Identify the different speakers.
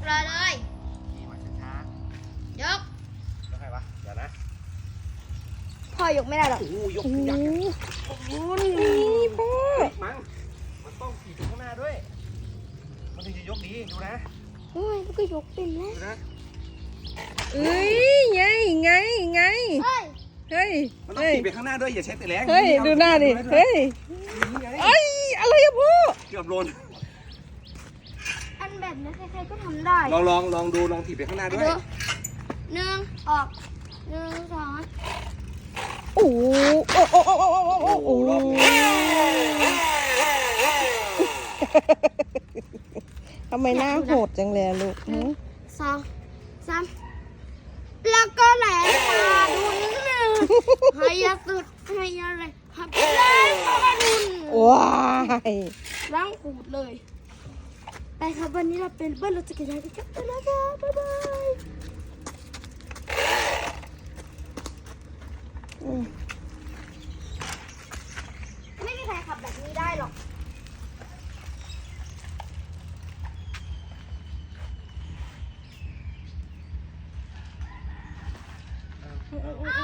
Speaker 1: รอเลย
Speaker 2: ขี่มาช้าย
Speaker 1: ก
Speaker 2: ๆแล้วใครวะเดี๋ยวนะ
Speaker 1: พ่อยกไม่ได้หรอก
Speaker 2: โอ้ยกยักษ์
Speaker 1: นี่พ่อ
Speaker 2: มันต้องขี่ไปข้างหน้าด้วย มันถึงจะยกดีดูนะ
Speaker 1: โอ้ยมันก็ยกเป็นแล้ว
Speaker 2: ดูนะ
Speaker 3: เอ้ยไง
Speaker 1: เฮ้ย
Speaker 3: เฮ้ย
Speaker 2: มันต้องขี่ไปข้างหน้าด้วยอย่าใช้แต่แรง
Speaker 3: เฮ้ยดูหน้าดิเฮ้ยเอ้ยอะไรอะพ่อ
Speaker 2: เกือบโดน
Speaker 1: อันแบบนี้ใครๆก็ทำได้
Speaker 2: ลองดูลองถีบไปข้างหน้าด้วย
Speaker 1: ดูหนึ่งออกหนึ่งสอง
Speaker 3: โอ้โหทำไมหน้าโหดจังเลยลูก
Speaker 1: สองสามแล้วก็แหลมมาดุนหนึ่งให้ยาสุดให้ยาอะไรหับแรงมาดุน
Speaker 3: ว้าย
Speaker 1: ล้างขูดเลยไปครับวันนี้เราเป็นเบิ้ลรถจักรยานกันครับไปแล้วครับบ๊ายบายไม่มีใครขับแบบนี้ได้หรอกอ้า